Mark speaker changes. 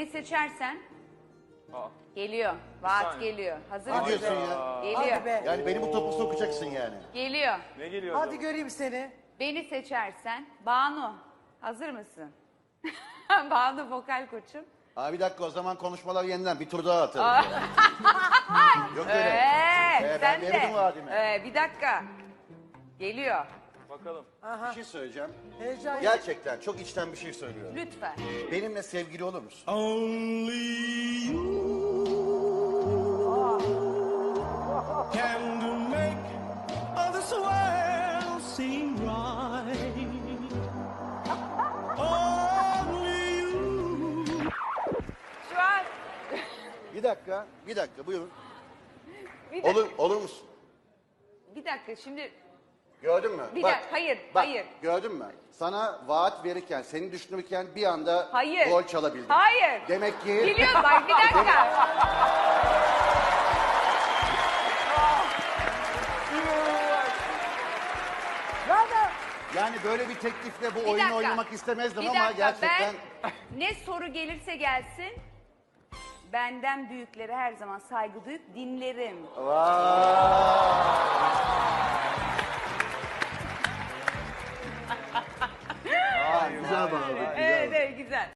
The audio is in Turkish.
Speaker 1: seçersen
Speaker 2: Aa.
Speaker 1: geliyor. Vaat
Speaker 2: saniye.
Speaker 1: geliyor. Hazır
Speaker 3: Ne
Speaker 1: mısın?
Speaker 3: diyorsun ya?
Speaker 1: Geliyor.
Speaker 4: Hadi be.
Speaker 3: Yani beni bu topu sokacaksın yani.
Speaker 1: Geliyor.
Speaker 2: Ne geliyor
Speaker 4: Hadi
Speaker 2: acaba?
Speaker 4: göreyim seni.
Speaker 1: Beni seçersen Banu. Hazır mısın? Banu vokal koçum.
Speaker 3: Abi bir dakika, o zaman konuşmalar yeniden bir tur daha atalım. Yok öyle.
Speaker 1: Ben
Speaker 3: ben
Speaker 1: de.
Speaker 3: verdim vaadimi.
Speaker 1: Bir dakika. Geliyor.
Speaker 2: Bakalım.
Speaker 3: Bir şey söyleyeceğim.
Speaker 4: Heyecan.
Speaker 3: Gerçekten çok içten bir şey söylüyorum.
Speaker 1: Lütfen.
Speaker 3: Benimle sevgili olur musun?
Speaker 5: Only you can make all this world seem right. Only you.
Speaker 1: Şu an
Speaker 3: Bir dakika buyurun.
Speaker 1: bir dakika.
Speaker 3: Olur musun?
Speaker 1: Bir dakika şimdi
Speaker 3: Gördün mü?
Speaker 1: Bir
Speaker 3: Bak,
Speaker 1: dakika, hayır,
Speaker 3: bak,
Speaker 1: hayır.
Speaker 3: Gördün mü? Sana vaat verirken, seni düşünürken bir anda
Speaker 1: hayır.
Speaker 3: gol çalabildim.
Speaker 1: Hayır.
Speaker 3: Demek ki...
Speaker 1: Biliyorum bak bir dakika.
Speaker 4: Nerede?
Speaker 3: Yani böyle bir teklifle bu
Speaker 1: Bir
Speaker 3: oyunu
Speaker 1: dakika.
Speaker 3: oynamak istemezdim
Speaker 1: Bir
Speaker 3: ama
Speaker 1: dakika,
Speaker 3: gerçekten...
Speaker 1: ben ne soru gelirse gelsin benden büyüklere her zaman saygı duyup dinlerim.
Speaker 3: Vay!